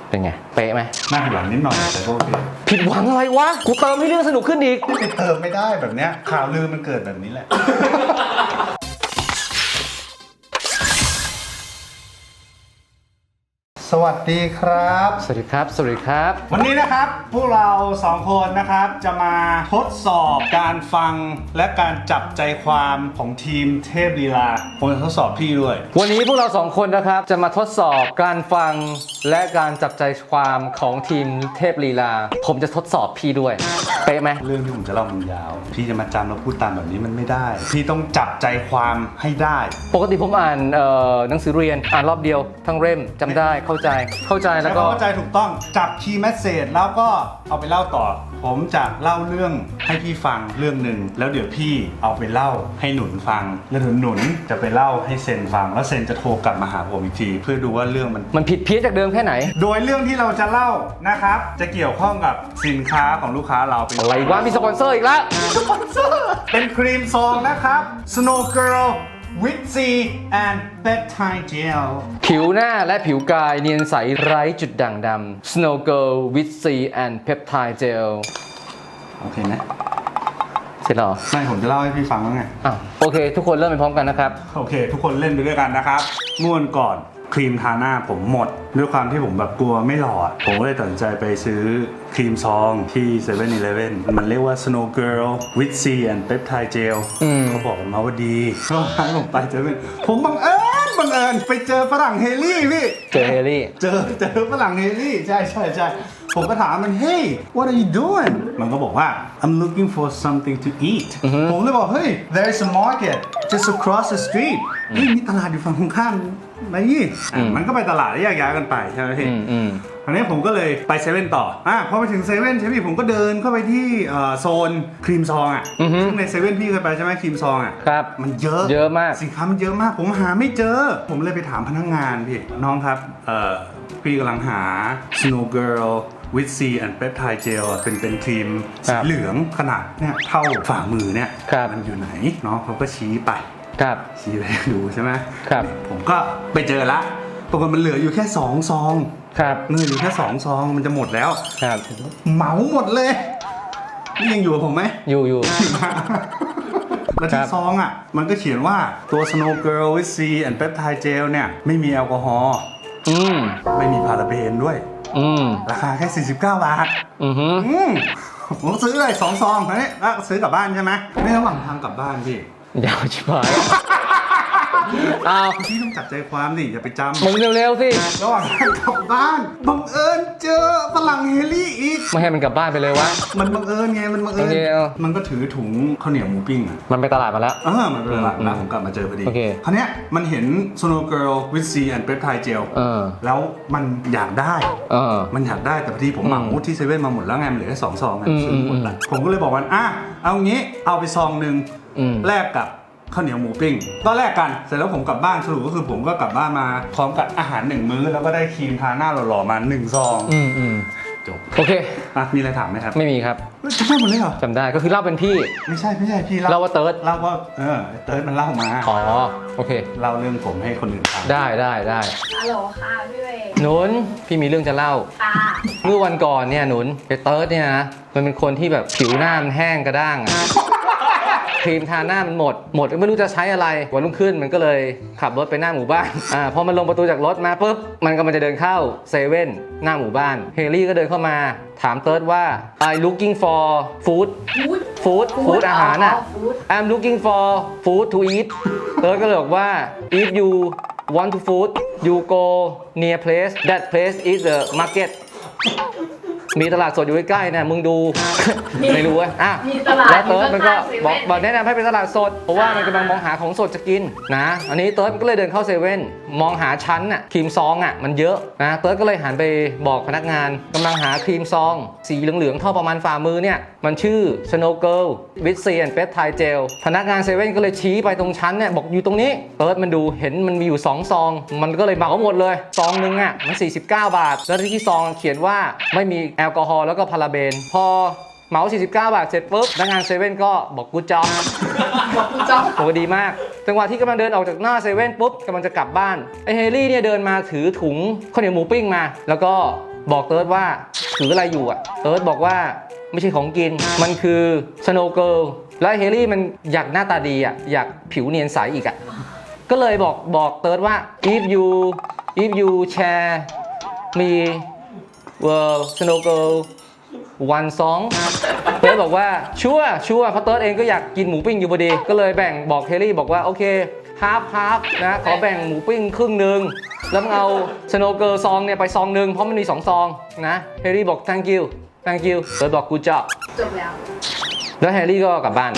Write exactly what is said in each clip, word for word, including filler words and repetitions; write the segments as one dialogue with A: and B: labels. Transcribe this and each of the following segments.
A: เป็นไงเป๊ะไหม
B: น่าผิดหวังนิดหน่อยแต่ก็โอเค
A: ผิดหวังอะไรวะกูเติมให้เรื่องสนุกขึ้นอีก
B: ไปเติมไม่ได้แบบเนี้ยข่าวลือมันเกิดแบบนี้แหละสวัสดีครับ
A: สวัสดีครับสวัสดีครับ
B: วันนี้นะครับพวกเราสองคนนะครับจะมาทดสอบการฟังและการจับใจความของทีมเทพลีลาผมจะทดสอบพี่ด้วย
A: วันนี้พวกเราสองคนนะครับจะมาทดสอบการฟังและการจับใจความของทีมเทพลีลาผมจะทดสอบพี่ด้วยเป๊ะไหม
B: เรื่องที่ผมจะเล่ามันยาวพี่จะมาจำแล้วพูดตามแบบนี้มันไม่ได้พี่ต้องจับใจความให้ได้
A: ปกติผมอ่านเอ่อหนังสือเรียนอ่านรอบเดียวทั้งเล่มจำได้เข้าใจเข้าใจแล้วก็
B: เข้าใจถูกต้องจับคีย์แมสเสจแล้วก็เอาไปเล่าต่อผมจะเล่าเรื่องให้พี่ฟังเรื่องหนึ่งแล้วเดี๋ยวพี่เอาไปเล่าให้หนุนฟังแล้วหนุนหนุนจะไปเล่าให้เซนฟังแล้วเซนจะโทรกลับมาหาผมอีกทีเพื่อดูว่าเรื่องมัน
A: มันผิดเพี้ยนจากเดิมแค่ไหน
B: โดยเรื่องที่เราจะเล่านะครับจะเกี่ยวข้องกับสินค้าของลูกค้าเราเป็น
A: อะไรวะมีสปอนเซอร์อีกแล้ว
B: สปอนเซอร์เป็นครีมซองนะครับ Snow Girl with C and Peptide Gel
A: ผิวหน้าและผิวกายเนียนใสไร้จุดด่างดำ Snow Girl with C and Peptide Gel
B: โอเคนะ
A: เสร็จหรอ
B: ไม่ผมจะเล่าให้พี่ฟังแล้วไง
A: อ้าวโอเคทุกคนเริ่มไปพร้อมกันนะครับ
B: โอเคทุกคนเล่นไปด้วยกันนะครับม่วนก่อนครีมทาหน้าผมหมดด้วยความที่ผมแบบกลัวไม่หล่อผมก็เลยตัดสินใจไปซื้อครีมซองที่เซเว่นอีเลฟเว่นมันเรียกว่า Snow Girl with C and Peptide Gel เขาบอกกันมาว่าดีก็ให้ผมไปเซเว่นผมบังเอิญบังเอิญไปเจอฝรั่งเฮลี่พี่
A: เจอเฮลี่
B: เจอเจอฝรั่งเฮลี่ใช่ใช่ใช่ผมก็ถามมัน Hey what are you doing มันก็บอกว่า I'm looking for something to eat ผมเลยบอกเฮ้ย there's a market just across the street เฮ้ยมีตลาดอยู่ฝั่งตรงข้ามมายี่มันก็ไปตลาดแยกย้ายกันไปใช่ไหมพี่อันนี้ผมก็เลยไปเซเว่นต่ออ่ะพอไปถึงเซเว่นใช่ไหมพี่ผมก็เดินเข้าไปที่โซนครีมซองอ่ะซึ่งในเซเว่นพี่เคยไปใช่ไหมครีมซองอ่ะ
A: ครับ
B: มันเยอะ
A: เยอะมาก
B: สินค้ามันเยอะมากผมหาไม่เจอผมเลยไปถามพนักงานพี่น้องครับเอ่อพี่กำลังหา Snow Girl with C and Peptide Gel เป็นเป็นครีมสีเหลืองขนาดเนี่ยเท่าฝ่ามือเนี่ยมันอยู่ไหนน้องเขาก็ชี้ไป
A: ครับ
B: ชี้ไปดูใช่ไหม
A: ครับ
B: ผมก็ไปเจอละปรากฏมันเหลืออยู่แค่สองซอง
A: ครับ
B: เงินอยู่แค่สองซองมันจะหมดแล้ว
A: ครับ
B: เหมาหมดเลยนี่ยังอยู่กับผมไหม
A: อยู่อยู่
B: แล้วที่ซองอ่ะมันก็เขียนว่าตัว Snow Girl with C and Peptide Gel เนี่ยไม่มีแอลกอฮอล์
A: อืม
B: ไม่มีพาราเบนด้วย
A: อืม
B: ราคาแค่สี่สิบเก้าบาท
A: อือฮึ
B: ผมซื้อเลยสองซองนะเนี่ยแล้วซื้อกลับบ้านใช่ไหมไม่ระหว่างทางกลับบ้านพี่
A: ยาวชิบหายอ้าว
B: พี่ต้องจับใจความดิอย่าไปจำ
A: มึงเร็วๆสิ
B: ระหว่างทางกลับบ้านบังเอิญเจอฝรั่งเฮลี่อีก
A: ไม่ให้มันกลับบ้านไปเลยวะ
B: มันบังเอิญไงมันบังเอิญมันก็ถือถุงข้าวเหนียวหมูปิ้งอ่ะ
A: มันไปตลาดมาแล้ว
B: เออมันไปตลาดมาผมกลับมาเจอพอดีคราวเนี้ยมันเห็น Snow Girl with C and Peptide Gel แล้วมันอยากได้มันอยากได้แต่พอดีผมเหมาที่เซเว่นมาหมดแล้วไงมันเหลือแค่สองซองซื้อหมดแล้วผมก็เลยบอกมันอ่ะเอางี้เอาไปซองนึงแลกกับข้าวเหนียวหมูปิ้งก็แลกกันเสร็จแล้วผมกลับบ้านสรุปก็คือผมก็กลับบ้านมาพร้อมกับอาหารหนึ่งมื้อแล้วก็ได้ครีมทาหน้าหล่อๆมาหนึ่งซอง
A: อืมอืม
B: จบ
A: โอเค
B: อ่ะมีอะไรถามไหมครับ
A: ไม่มีครับ
B: จำได้หมดเลยเหรอ
A: จำได้ก็คือเล่าเป็นพี่
B: ไม่ใช่ไม่ใช่พี่
A: เล่าว่าเติร์ด
B: เล่าว่าเออเติร์ดมันเล่ามา
A: อ๋อโอเค
B: เล่าเรื่องผมให้คนอื่นฟัง
A: ได้ได้ได้
C: ฮัลโหลค่ะพี่เวย์
A: หนุนพี่มีเรื่องจะเล่า
C: ค่ะ
A: เมื่อวันก่อนเนี่ยหนุนไอ้เติร์ดเนี่ยนะมันเป็นคนที่แบบผิวหน้ามันแห้งกระด้างอะครีมทาหน้ามันหมดหมดไม่รู้จะใช้อะไรวันรุ่งขึ้นมันก็เลยขับรถไปหน้าหมู่บ้านอ่าพอมันลงประตูจากรถมาปุ๊บมันก็มันจะเดินเข้าเซเว่นหน้าหมู่บ้านเฮลี่ก็เดินเข้ามาถามเติร์ดว่า I'm looking for food food food อาหารอ่ะ I'm looking for food to eat เติร์ดก็เลยบอกว่า if you want to food you go near place that place is the marketมีตลาดสดอยู่ใกล้ๆนะมึงดูไม่รู้อ่ะอ่ะแล้วเติร์ดมันก็บอกบอกแนะนำให้ไปตลาดสดเพราะว่ามันกำลังมองหาของสดจะกินนะอันนี้เติร์ดมันก็เลยเดินเข้าเซเว่นมองหาชั้นอ่ะครีมซองอ่ะมันเยอะนะเติร์ดก็เลยหันไปบอกพนักงานกำลังหาครีมซองสีเหลืองๆเท่าประมาณฝ่ามือเนี่ยมันชื่อ Snow Girl with C and Peptide Gel พนักงานเซเว่นก็เลยชี้ไปตรงชั้นเนี่ยบอกอยู่ตรงนี้เติร์ดมันดูเห็นมันมีอยู่สองซองมันก็เลยเหมาหมดเลยซองนึงอ่ะมันสี่สิบเก้าบาทแล้วที่ซองเขียนว่าไม่มีแอลกอฮอล์แล้วก็พาราเบนพอเหมาสี่สิบเก้าบาทเสร็จปุ๊บพนักงานเซเว่นก็บอกกูจ๊อบ
C: บอกกูจ๊อบ
A: โหดีมากจังหวะที่กำลังเดินออกจากหน้าเซเว่นปุ๊บกำลังจะกลับบ้านไอเฮลี่เนี่ยเดินมาถือถุงข้าวเหนียวหมูปิ้งมาแล้วก็บอกเติร์ดว่าถืออะไรอยู่อะเติร์ดบอกว่าไม่ใช่ของกินมันคือสโนว์เกิร์ลแล้วเฮลี่มันอยากหน้าตาดีอะอยากผิวเนียนใสอีกอะก็เลยบอกบอกเติร์ดว่า if you if you share me well snow girl one song เติร์ดบอกว่าชัวร์ชัวร์เพราะเติร์ดเองก็อยากกินหมูปิ้งอยู่พอดีก็เลยแบ่งบอกเฮลี่บอกว่าโอเคฮาร์ฟฮาร์ฟนะขอแบ่งหมูปิ้งครึ่งหนึ่งแล้วมึงเอาสโนว์เกิร์ลซองเนี่ยไปซองหนึ่งเพราะมันมีสองซองนะเฮลี่บอก thank you thank you เติร์ดบอก good job
C: จบแล้ว
A: แล้วแฮร์รี่ก็กลับบ้าน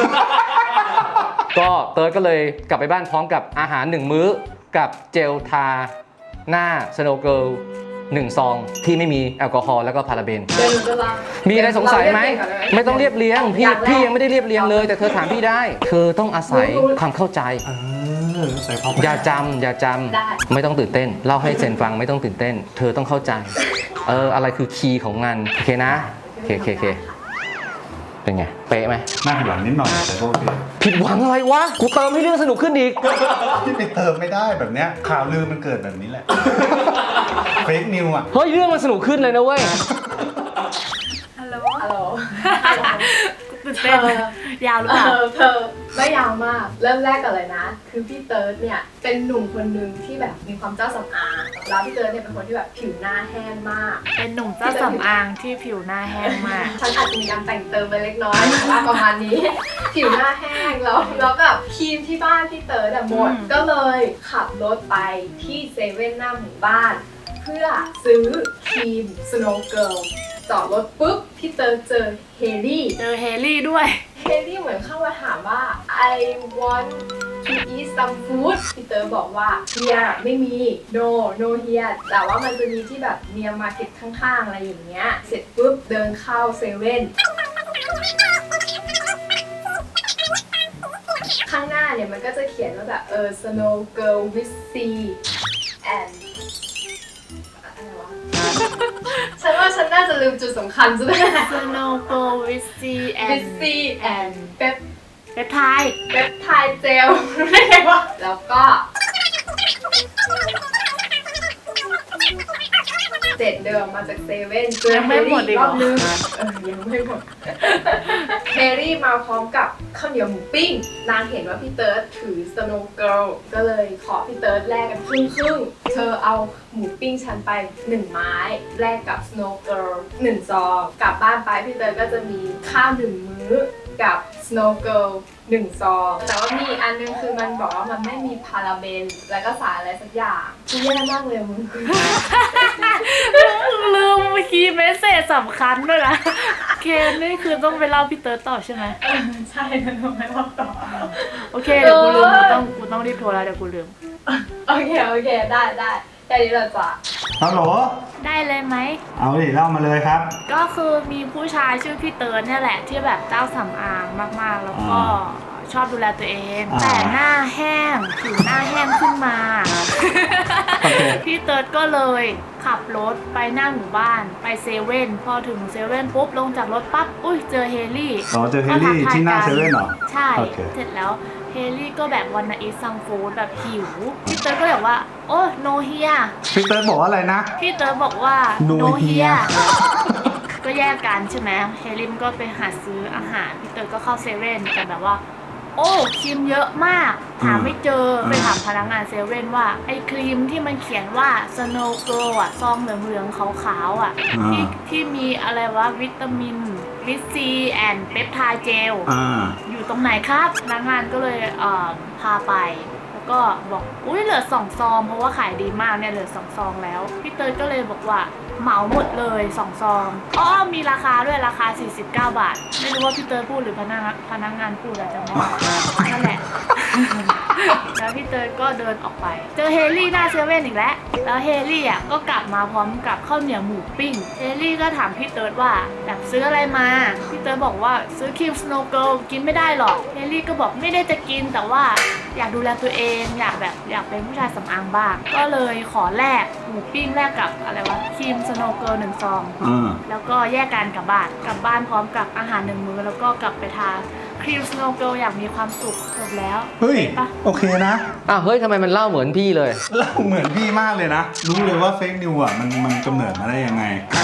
A: ก็เติร์ดก็เลยกลับไปบ้านพร้อมกับอาหารหนึ่งมื้อกับเจลทาหน้าสโนว์เกิร์ลหนึ่งซองที่ไม่มีแอลกอฮอล์แล้วก็พาราเบน
C: เดี๋ยวหนูจะลอง
A: มีอะไรสงสัยไหม
C: เราเรียกเองก่อนเลย
A: ไม่ต้องเรียบเรียงพี่
C: อย่างแรก
A: พี่ยังไม่ได้เรียบเรียงเลย แต่เธอถามพี่ได้ เธอต้องอาศัยความเข้าใจ
B: เออใส่ความ
A: อย่าจำอย่าจำไม่ต้องตื่นเต้นเล่าให้เซนฟังไม่ต้องตื่นเต้น เธอต้องเข้าใจเอออะไรคือคีย์ของงานโอเคนะโอเคโอเคโอเคเป็นไงเป๊ะไหม
B: น่าผิดหวังนิดหน่อยแต่ก็โอเค
A: ผิดหวังอะไรวะกูเติมให้เรื่องสนุกขึ้นอีก
B: ที่ไปเติมไม่ได้แบบเนี้ยข่าวลือมันเกิดแบบนี้แหละ เฟกนิวอ่ะ
A: เฮ้ยเรื่องมันสนุกขึ้นเลยนะเว้ย
C: ฮัลโหลฮัลโหล
D: ตื่นเต้นยาวหรือเปล่า
C: เออเธอไม่ยาวมาก เริ่มแรกกันเลยนะ คือพี่เติร์ดเนี่ยเป็นหนุ่มคนหนึ่งที่แบบมีความเจ้าสำอางแล้วพี่เติร์ดเนี่ยเป็นคนที่แบบผิวหน้าแห้งมาก
D: เป็นหนุ่มเจ้าสำอางที่ผิวหน้าแห้งมาก
C: ฉันอาจจะมีการแต่งเติมไปเล็กน้อยแต่ว่าประมาณนี้ ผิวหน้าแห้งแล้วแล้วแบบครีมที่บ้านพี่เติร์ดอะหมด
D: อืม
C: ก็เลยขับรถไปที่เซเว่นหน้าหมู่บ้าน เพื่อซื้อครีม Snow Girl จอดรถปุ๊บพี่เติร์ดเจอเฮลี่
D: เจอเฮลี่ด้วย
C: เฮลี่เหมือนเข้ามาถามว่า I want to eat some food พี่เตอร์บอกว่า here ไม่มี no no here แต่ว่ามันจะมีที่แบบเนียมาร์เก็ตข้างๆ อะไรอย่างเงี้ย เสร็จปุ๊บเดินเข้าเซเว่น ข้างหน้าเนี่ยมันก็จะเขียนว่าแบบเออ Snow Girl with C and อะไรวะ ฉันว่าฉันน่าจะลืมจุดสำคัญซะด้วย
D: Snow Girl with C and
C: with C and เป๊ป
D: เปปไทด์
C: เว็บไทยเจลไม่ไงวะแล้วก็เสร็จเดินมาจากเซเว่นเจอเฮรี่อีกรอบนึงเออยังไม่หมดเฮรี่มาพร้อมกับข้าวเหนียวหมูปิ้งนางเห็นว่าพี่เติร์ดถือ Snow Girl ก็เลยขอพี่เติร์ดแลกกันครึ่งครึ่งๆเธอเอาหมูปิ้งฉันไปหนึ่งไม้แลกกับ Snow Girl หนึ่งซองกลับบ้านไปพี่เติร์ดก็จะมีข้าวหนึ่งมื้อกับ Snow Girl หนึ่งซองแต่ว่ามีอันนึงคือมันบอกว่ามันไม่มีพาราเบนแล้วก็สารอะไรสักอย่างคือแย่มากเลยมึง
D: ลืมคีย์เมสเซจสำคัญด้วยนะเคนนี่คือต้องไปเล่าพี่เติร์ดต่อใช่ไหม
C: ใช่นะทำไมว่าต่อ
D: โอเคเดี๋ยวกูลืมกูต้องกูต้องรีบโทรแล้วเดี๋ยวกูลืม
C: โอเค โอเค ได้ได้แค่นี้เราจะ
B: ฮัลโหล
D: ได้เลยไหม
B: เอาดิเล่ามาเลยครับ
D: ก็คือมีผู้ชายชื่อพี่เติร์ดเนี่ยแหละที่แบบเจ้าสำอางมากๆ แล้วก็ชอบดูแลตัวเอง
B: อ่า
D: แต่หน้าแห้งผิวหน้าแห้งขึ้นมา
B: โอเค
D: พี่เติร์ดก็เลยขับรถไปหน้าหมู่บ้านไปเซเว่นพอถึงเซเว่นปุ๊บลงจากรถปั๊บอุ้ยเจอเฮลี่
B: อ๋อเจอเฮลี่ที่หน้าเซเว่นเหรอ
D: ใช่
B: โอเค
D: เสร็จแล้วเฮลี่ก็แบบวันนาอีซังฟูดแบบหิวพี่เติร์ดก็เลยบอกว่าโอ้โนเฮีย
B: พี่เติร์ดบอกว่าอะไรนะ
D: พี่เติร์ดบอกว่า
B: No here
D: ก็แยกกันใช่ไหมเฮลิมก็ไปหาซื้ออาหารพี่เติร์ดก็เข้าเซเว่นแต่แบบว่า โอ้ครีมเยอะมากหาไม่เจอ
B: อืม
D: ไปถามพนักงานเซเว่นว่าไอ้ครีมที่มันเขียนว่า Snow Glow อ่ะซองเหลืองๆขาวๆอ่ะที่ที่มีอะไรวะวิตามินวิตซีแอนเปปไทด์เจล
B: อ่า
D: อยู่ตรงไหนครับพนักงานก็เลยเอ่อพาไป แล้วก็บอกอุ้ยเหลือสองซองเพราะว่าขายดีมากเนี่ยเหลือสองซองแล้วพี่เติร์ดก็เลยบอกว่าเหมาหมดเลยสองซองอ๋อมีราคาด้วยราคาสี่สิบเก้าบาทไม่รู้ว่าพี่เติร์ดพูดหรือพนักพนักงานพูดอะจำไม่ได้นั่นแหละ แล้วพี่เติร์ดก็เดินออกไปเจอเฮลี่หน้าเซเว่นอีกแล้วแล้วเฮลี่อ่ะก็กลับมาพร้อมกับข้าวเหนียวหมูปิ้งเฮลี่ก็ถามพี่เติร์ดว่าแบบซื้ออะไรมาพี่เติร์ดบอกว่าซื้อครีมสโนว์เกิลกินไม่ได้หรอกเฮลี่ก็บอกไม่ได้จะกินแต่ว่าอยากดูแลตัวเองอยากแบบอยากเป็นผู้ชายสำอางบ้างก็เลยขอแลกหมูปิ้งแลกกับอะไรวะครีมสโนว์เกิร์ลหนึ่งซอง
B: อ่า
D: แล้วก็แยกกันกลับบ้านกลับบ้านพร้อมกับอาหารหนึ่งมื้อแล้วก็กลับไปทาครีมสโนว์เกิร์ลอย่างมีความสุขจบแล้ว
B: เฮ้ย
D: ปะ
B: โอเคนะ
A: อ้าวเฮ้ยทำไมมันเล่าเหมือนพี่เลย
B: เล่าเหมือนพี่มากเลยนะ รู้เลยว่าเฟกนิวอ่ะมันมันกำเนิดมาได้ยังไง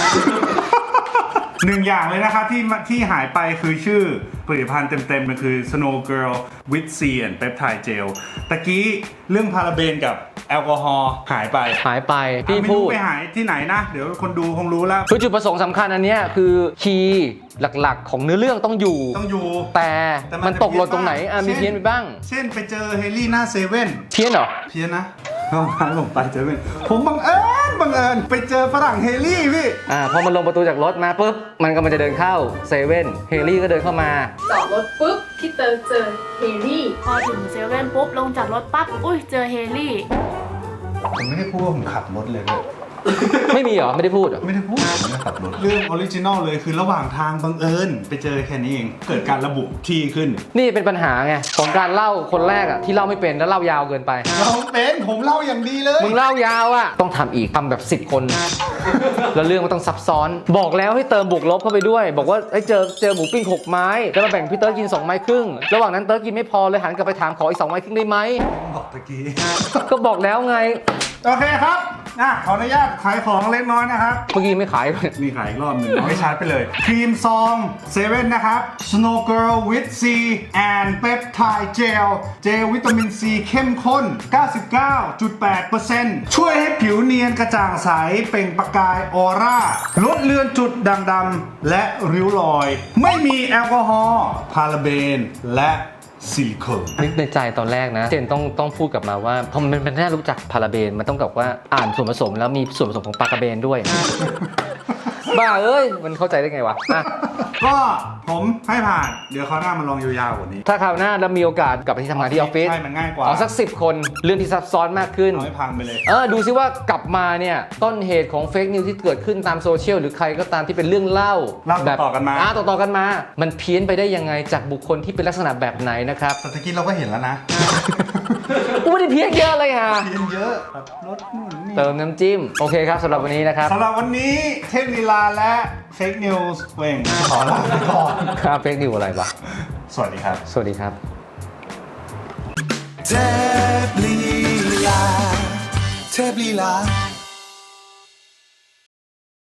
B: หนึ่งอย่างเลยนะครับที่ที่หายไปคือชื่อผลิตภัณฑ์เต็มๆมันคือ Snow Girl with C and Peptide Gel ตะกี้เรื่องพาราเบนกับแอลกอฮอล์หายไป
A: หายไปพี่
B: ไม่
A: พู
B: รู้
A: ด
B: ไปหายที่ไหนนะ เดี๋ยวคนดูคงรู้แล้ว
A: คือจุดประสงค์สำคัญอันเนี้ยคือคีย์หลักๆ ของเนื้อเรื่องต้องอยู่
B: ต้องอยู่
A: แต่
B: แต่
A: มันตกหล่นตรงไหนอ่ะมี
B: เช่น
A: เพี้ยนไปบ้าง
B: เช่นไปเจอเฮลี่หน้าเซเว่น
A: เพี้ยนเหรอ
B: เพี้ยนนะเข้าร้านผมไปเจอเว่นผมบังเอิญบังเอิญไปเจอฝรั่งเฮลี่พี่
A: อ่าพอมันลงประตูจากรถมาปุ๊บมันก็มันจะเดินเข้าเซเว่นเฮลี่ก็เดินเข้ามา
C: จอดรถปุ๊บพี่เติร์ดเจอเฮลี่
D: พอถึงเซเว่นปุ๊บลงจากรถปั๊บอุ้ยเจอเฮลี่
B: ผมไม่ได้พูดว่าผมขับรถเลยนะ
A: ไม่มีเหรอไม่ได้พูดเหรอ
B: ไม่ได้พูดผมไม่ได้ขับรถ เรื่องออริจินอลเลยคือระหว่างทางบังเอิญไปเจอแค่นี้เอง เกิดการระบุที่ขึ้น
A: นี่เป็นปัญหาไงของการเล่าคนแรกอ่ะที่เล่าไม่เป็นแล้วเล่ายาวเกินไป
B: เราเป็นผมเล่าอย่างดีเลย
A: มึงเล่ายาวอ่ะต้องทำอีกทำแบบสิบคน แล้วเรื่องมันต้องซับซ้อน บอกแล้วให้เติมบวกลบเข้าไปด้วย บอกว่าไอ้ยเจอเจอหมูปิ้งหกไม้แล้วมาแบ่งพี่เติร์ดกินสองไม้ครึ่งระหว่างนั้นเติร์ดกินไม่พอเลยหันกลับไปถามขออีกสองไม้ครึ่งได้ไหม
B: บอกตะกี้
A: ก็บอกแล้วไง
B: โอเคครับอ่ะขออนุญาตขายของเล็กน้อยนะครับ
A: เมื่อกี้ไม่ขายเลย
B: นี่ขายอีกรอบหนึ่งเอาให้ชาร์จไปเลย ครีมซองเซเว่นนะครับ Snow Girl with C and Peptide Gel เจลวิตามินซีเข้มข้น เก้าสิบเก้าจุดแปดเปอร์เซ็นต์ ช่วยให้ผิวเนียนกระจ่างใส เปล่งประกายออร่า ลดเลือนจุดด่างดำและริ้วรอย ไม่มีแอลกอฮอล์พาราเบน และซิลิโคน
A: นึกในใจตอนแรกนะเจนต้องต้องพูดกลับมาว่าพอมันมันน่ารู้จักพาราเบนมันต้องกับว่าอ่านส่วนผสมแล้วมีส่วนผสมของปลากระเบนด้วย บ้าเอ้ยมันเข้าใจได้ไงวะอ่ะ
B: ก็ผมให้ผ่าน เดี๋ยวเขาวหน้ามาลองยาวๆกว่านี้
A: ถ้าคราวหน้าเรามีโอกาสกลับไปที่ทำงานที่ออฟฟิศ
B: ใช่มันง่ายกว่า
A: เอาสักสิบคนเรื่องที่ซับซ้อนมากขึ้น
B: เอาให้พังไปเลย
A: เออดูซิว่ากลับมาเนี่ยต้นเหตุของเฟกนิวที่เกิดขึ้นตามโซเชียลหรือใครก็ตามที่เป็นเรื่องเล่า
B: เล่า
A: แบบ
B: ต่อๆกันมา
A: อ่ต่อๆกันมา มันเพี้ยนไปได้ยังไงจากบุคคลที่เป็นลักษณะแบบไหนนะครับ
B: แต่ตะกี้เราก็เห็นแล้วนะ
A: กูไม่ได้เพี้ยนเยอะเลยฮะ
B: เพียนเยอะแบบรถนู่นนี่
A: เติมน้ำจิ้มโอเคครับสำหรับวันนี้นะครับ
B: สำหรับวันนี้เทพลีลาและเฟกนิวส์เวงขอลาไปก่อน
A: ครับเฟกนิวอะไรวะ
B: สวัสดีครับ
A: สวัสดีครับ
E: เทพลีลาเทพลีลา